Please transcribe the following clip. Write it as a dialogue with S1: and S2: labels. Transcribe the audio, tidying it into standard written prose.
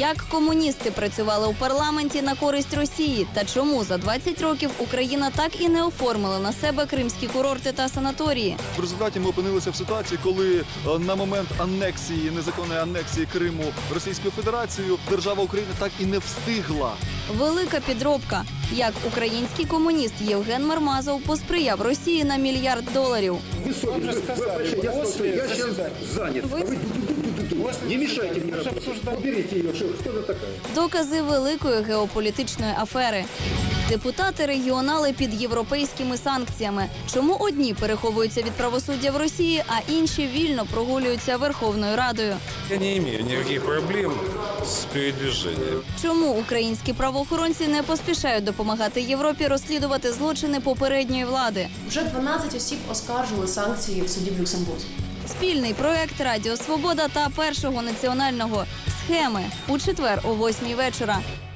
S1: Як комуністи працювали у парламенті на користь Росії та чому за 20 років Україна так і не оформила на себе кримські курорти та санаторії?
S2: В результаті ми опинилися в ситуації, коли на момент анексії, незаконної анексії Криму Російською Федерацією, держава України так і не встигла.
S1: Велика підробка. Як український комуніст Євген Мармазов посприяв Росії на $1 мільярд.
S3: Вы я сейчас занят. Не мешайте мне работать. Уберите ее. Кто она такая?
S1: Докази великої геополітичної афери. Депутати регіонали під європейськими санкціями. Чому одні переховуються від правосуддя в Росії, а інші вільно прогулюються Верховною Радою?
S4: Я не имею никаких проблем с передвижением.
S1: Чому українські правоохоронці не поспішають допомагати Європі розслідувати злочини попередньої влади?
S5: Вже 12 осіб оскаржили санкції в суді в Люксембурзі.
S1: Спільний проект «Радіо Свобода» та Першого національного «Схеми» у четвер о 8:00 вечора.